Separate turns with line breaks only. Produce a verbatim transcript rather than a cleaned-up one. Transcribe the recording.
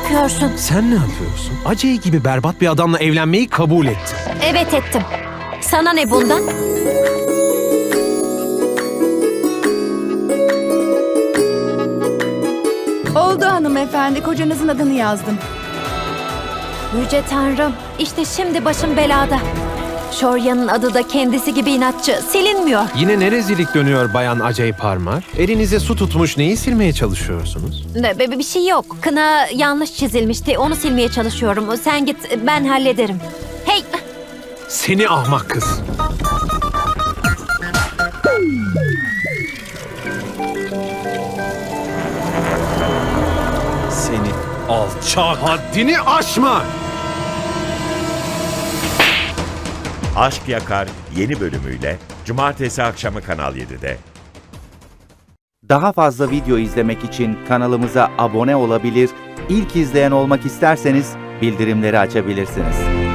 yapıyorsun?
Sen ne yapıyorsun? Acey gibi berbat bir adamla evlenmeyi kabul ettin.
Evet ettim. Sana ne bundan?
Oldu hanımefendi, kocanızın adını yazdım.
Yüce Tanrım, işte şimdi başım belada. Shorya'nın adı da kendisi gibi inatçı, silinmiyor.
Yine ne rezillik dönüyor Bayan Acey Parmar? Elinize su tutmuş neyi silmeye çalışıyorsunuz?
Ne, be- bir şey yok. Kına yanlış çizilmişti, onu silmeye çalışıyorum. Sen git, ben hallederim. Hey!
Seni ahmak kız. Seni alçak. Haddini aşma!
Aşk Yakar yeni bölümüyle Cumartesi akşamı Kanal yedide.
Daha fazla video izlemek için kanalımıza abone olabilir, ilk izleyen olmak isterseniz bildirimleri açabilirsiniz.